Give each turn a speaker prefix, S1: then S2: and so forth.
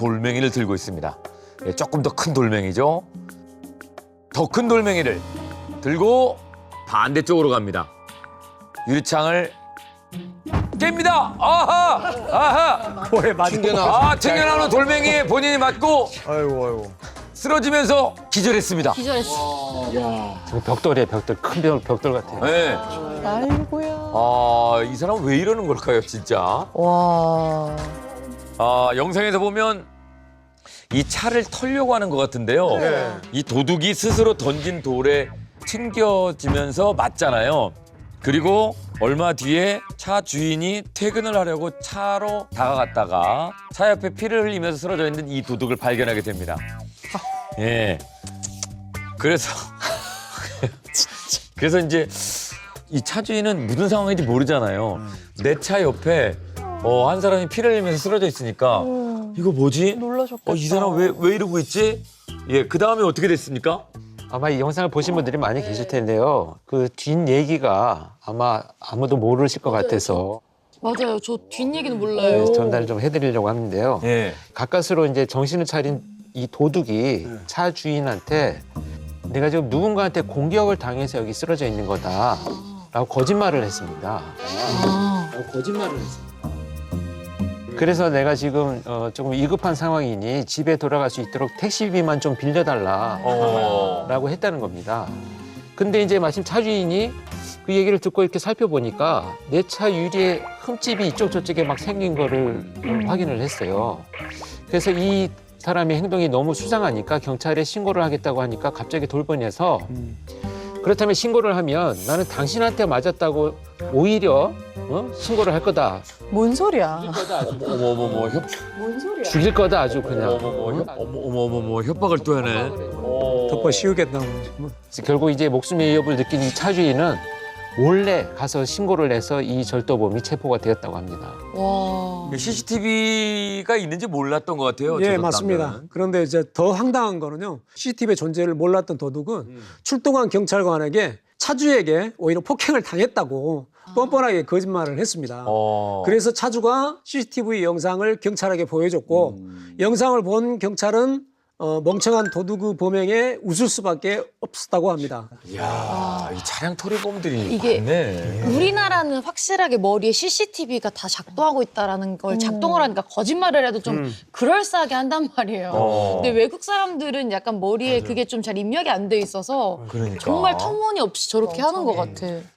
S1: 돌멩이를 들고 있습니다. 예, 조금 더 큰 돌멩이죠. 더 큰 돌멩이를 들고 반대쪽으로 갑니다. 유리창을 깹니다. 아하! 아하!
S2: 뭐에 맞은
S1: 튕겨나오는 돌멩이에 본인이 맞고
S2: 아이고.
S1: 쓰러지면서 기절했습니다.
S3: 기절했어.
S4: 벽돌이에요, 벽돌. 큰 벽돌 같아요.
S1: 네.
S3: 아이고야.
S1: 이 사람은 왜 이러는 걸까요, 진짜?
S3: 와.
S1: 영상에서 보면 이 차를 털려고 하는 것 같은데요.
S2: 네.
S1: 이 도둑이 스스로 던진 돌에 튕겨지면서 맞잖아요. 그리고 얼마 뒤에 차 주인이 퇴근을 하려고 차로 다가갔다가 차 옆에 피를 흘리면서 쓰러져 있는 이 도둑을 발견하게 됩니다. 예. 그래서 그래서 이제 이 차 주인은 무슨 상황인지 모르잖아요. 내 차 옆에 한 사람이 피를 흘리면서 쓰러져 있으니까 이거 뭐지?
S3: 놀라셨겠다.
S1: 이 사람 왜 이러고 있지? 예, 그 다음에 어떻게 됐습니까?
S4: 아마 이 영상을 보신 분들이 많이 계실 텐데요. 그 뒷 얘기가 아마 아무도 모르실 것 같아서
S3: 맞아요. 저 뒷얘기는 몰라요.
S4: 전달을 좀 해드리려고 하는데요.
S1: 예.
S4: 가까스로 이제 정신을 차린 이 도둑이 차 주인한테 내가 지금 누군가한테 공격을 당해서 여기 쓰러져 있는 거다라고 거짓말을 했습니다. 라고 거짓말을 했습니다. 그래서 내가 지금 조금 위급한 상황이니 집에 돌아갈 수 있도록 택시비만 좀 빌려달라라고 했다는 겁니다. 근데 이제 마침 차 주인이 그 얘기를 듣고 이렇게 살펴보니까 내 차 유리에 흠집이 이쪽 저쪽에 막 생긴 거를 확인을 했어요. 그래서 이 사람의 행동이 너무 수상하니까 경찰에 신고를 하겠다고 하니까 갑자기 돌변해서 그렇다면 신고를 하면 나는 당신한테 맞았다고 오히려 신고를 할 거다.
S3: 뭔 소리야?
S1: 어머머머
S3: 뭔 소리야?
S4: 죽일 거다 아주 그냥.
S1: 어머머머 협박을 또 하네.
S2: 덮어 씌우겠다고.
S4: 결국 이제 목숨의 위협을 느낀 이 차주인은 몰래 가서 신고를 해서 이 절도범이 체포가 되었다고 합니다.
S3: 와.
S1: CCTV가 있는지 몰랐던 것 같아요.
S2: 예,
S1: 저
S2: 맞습니다.
S1: 남자는.
S2: 그런데 이제 더 황당한 거는요. CCTV의 존재를 몰랐던 도둑은 출동한 경찰관에게 차주에게 오히려 폭행을 당했다고 뻔뻔하게 거짓말을 했습니다. 그래서 차주가 CCTV 영상을 경찰에게 보여줬고 영상을 본 경찰은 멍청한 도둑의 범행에 웃을 수밖에 없었다고 합니다.
S1: 이야, 이 차량 토리범들이
S3: 이게
S1: 많네.
S3: 우리나라는 확실하게 머리에 CCTV가 다 작동하고 있다라는 걸 작동을 하니까 거짓말을 해도 좀 그럴싸하게 한단 말이에요. 근데 외국 사람들은 약간 머리에 그게 좀 잘 입력이 안 돼 있어서
S1: 그러니까.
S3: 정말 터무니없이 저렇게 하는 것 같아.